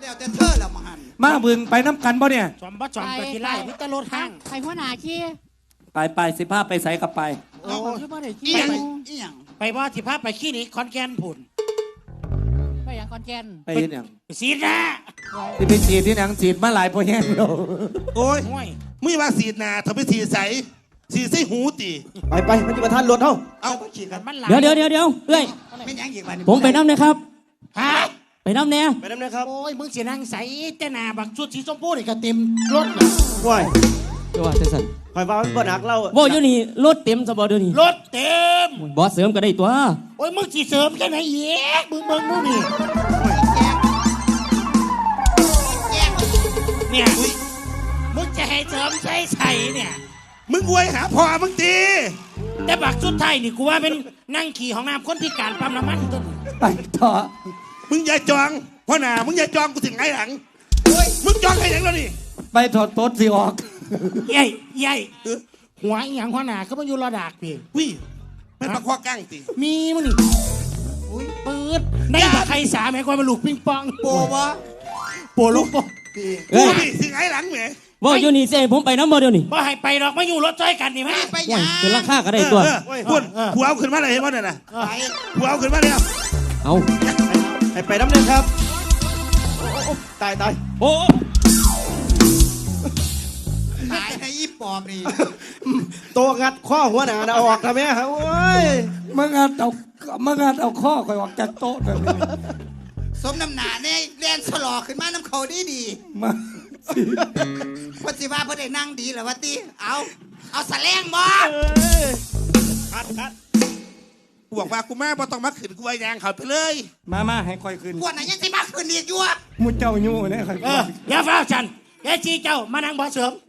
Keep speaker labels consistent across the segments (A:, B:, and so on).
A: แล้วแต่เธอละมาหัน
B: มาบึงไปน้ำกันบ่เนี่ย
C: จอมบ่จอมกับกีฬาพิตรรถห้าง
D: ไปหัวหน้าขี้
B: ไปสิพาไปใส่กับไป
C: โอ้ยบ่ได้
A: อี
C: ขี้
A: หยัง
C: ไป
A: อีหยัง
C: ไปบ่สิพาไปขี้นี่คอนแกนผุน
D: ไปอย่างคอนแกน
B: ไปเห็นอย่าง
C: ไปซีดนะ
B: ที่ไปฉีดที่หนังฉีดมาหลายพอแห้งแล้ว
E: โอ้ย
C: ห่วย
E: มึงว่าสีดหนาเธอไปสีดใสสีดใส่หูตี
F: ไปมันจะมาทันรถเฮา
A: เอาขี่กัน
C: มันหลาย
G: เดี๋ยวเอ้ย
A: ไม่ยังอีกวัน
G: ผมไปน้ำนะครับ
C: ฮะ
G: ไปน้ำแน่
F: ไปน้ำนะครับ
C: โอ้ยมึงสินั่งใส่แต่หน้าบักชุดสีชมพูนี่ก็เต็มรถน่ะ
F: ว้าย
G: ตัวว่าจะสั่น
F: คอยว่ามันบ่หนักเรา
G: บ่อยู่นี่รถเต็มสบอเดี๋ยวนี้
C: รถเต็ม
G: บอสเสริมก็ได้ตัว
C: โอ้ยมึงสิเสริมแค่ไหนเย้มึงดูนี่เนี่ยมึงจะให้เสริมใส่เนี่ย
E: มึงอวยหาพ่อมึงตี
C: แต่บักชุดไทยนี่กูว่าเป็นนั่งขี่ของน้ำคนพิการปั๊มน้ำมันต้น
B: ไปต่อ
E: มึงอย่าจองพ่อหนามึงอย่าจองกูถึงไงหลังมึงจองไงหลังแล้วนี่
B: ไปถอดโต๊ดสิออก
C: ใหญ่หัวอหย่างหัวหน้าก็มาอยู่ระดับพี่
E: วิ่แม่นปลาคว้ากั้งตี
C: มีมั้งนี่อุ้ยปืดได้บักใครสามแม่คอยมาลูกปิงปอง
A: โปวะ
C: โปลูกโป
E: กู
G: เอ้ย
E: นี่ถึงไงหลังแหม
G: บ่อยู่นี่เซ่ผมไปน้ำบ่เดี๋ยวนี้
C: บ่ให้ไปหรอกมาอยู่รถจ้อยกันนี่ไหม
A: ไป
G: โอ้
A: ยั
G: ย
A: ง
G: เป็นราคาก็ได้ตัว
E: พูดผัวเอาขึ้นมาเลยเห็นป่ะเนี่ยนะ
A: ไป
E: ผัวเอาขึ้นมาเลย
G: เอา
F: ให้ไปน้ำนะครับตาย
G: โอ้
A: ตายให้อีปอบนี่
F: โตงัดข้อหัวหน้านะเอาออกทำไมฮะโอ้ย
B: มางานเอาข้อคอยออกจากโต๊ะเลย
A: สมน้ำหนาเนี่ยเรียนสลอขึ้นมาน้ำเขาดี
B: มา
A: พอสิว่าเพื่อได้นั่งดีเหรอวะตีเอาแสลงบ่
F: คัด
E: กูบอกว่ากูแม่บ่ต้องมาขึ้นกูไอ้ยางเขาไปเลย
B: มาให้คอยขึ้น
A: พวกไหนยังสิมาคืนอีกอยู่อะ
B: มุดเจ้ายู่เนี่ยคอย
C: อย่าเฝ้าฉันแกจีเจ้ามานั่งบ่เสริม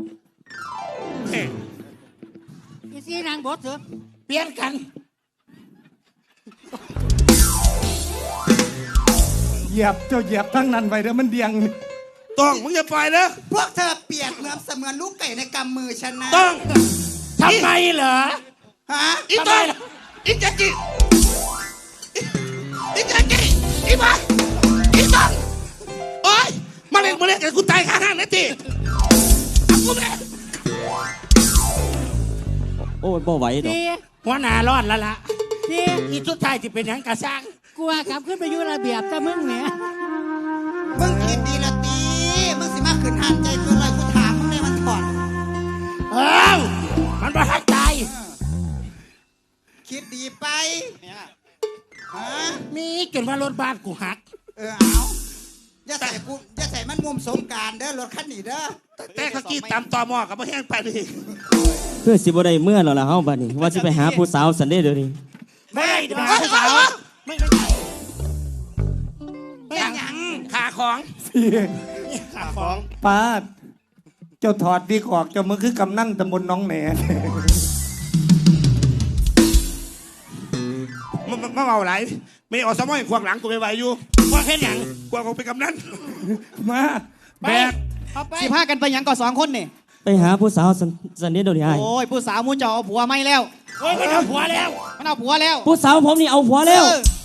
D: อีซี่นางบดเถอะ
C: เปลี่ยนกัน
B: เหยียบเจ้าเหยียบทั้งนั้นไปเดี๋ยวมันเดียง
E: ต้องมึงอย่าปล่อยนะ
A: พวกเธอเปรียบเหมือนเสมือนลูกไก่ในกำมือฉันนะ
E: ต้อง
C: ทำไมเหรอ
A: ฮะ
E: อีต้องอีแจ๊กกี้อีแจ๊กกี้อีมาอีต้องโอ๊ยมาเล่นกันกูตายข้างห้างนะตีเอากูแม่
G: โอ้ยบ่ไหวดอก
D: พี่
C: หัวหน้ารอดแล้วล่ะ
D: พี่
C: อีชุดไทยที่เป็นหยังกระซัง
D: กลัวกลับขึ้นไปอยู่ระเบียบแต่มึงเนี่ย
A: มึงคิดดีละตีมึงสิมาขืนหันใจเพื่ออะไรกูถามมึงเลยมันถอด
C: เอ้ามันบ่ทักตาย
A: คิดดีไปฮะ
C: มีจนว่ารถบ้านกูหัก
A: เอาอย่าใส่มันมุมสงการเด้อรถคันนี้เด้อ
E: แต่เขากี้ตามตอมอกับมาแห้งไปดิ
G: เพื่อสิบ่ได้เมื่อแล้วล่ะเฮาบัดนี้ว่าสิไปหาผู้สาวสันเด้เดี๋ยวนี้
C: ไม่ได้เดี๋ยวหาผู้สาวไม่
A: เป็นหยัง
E: ขาของ
C: ขาของ
B: ป้าดเจ้าถอดดีออกเจ้ามือคือกำนั่นตำบลน้องแหน่
E: มาเอาไหลไม่ออกสมอยขวางหลังกูไปไหวอยู่
C: ว่าแค่หยัง
E: กว่ากูไปกำนัน
B: มา
C: ไปเอาไป
H: สิพากันไปหยังก่อน2 คนนี่
G: ไปหาผู้สาวสันเด้เดี๋ยวนี้อ้าย
H: โอ้ยผู้สาวมูเจ้าเอาผัวไม่แล้ว
C: โอ้ยมันเอาผัวแล้ว
H: มันเอาผัวแล้ว
G: ผู้สาวผมนี่เอาผัวแล้ว
H: เออ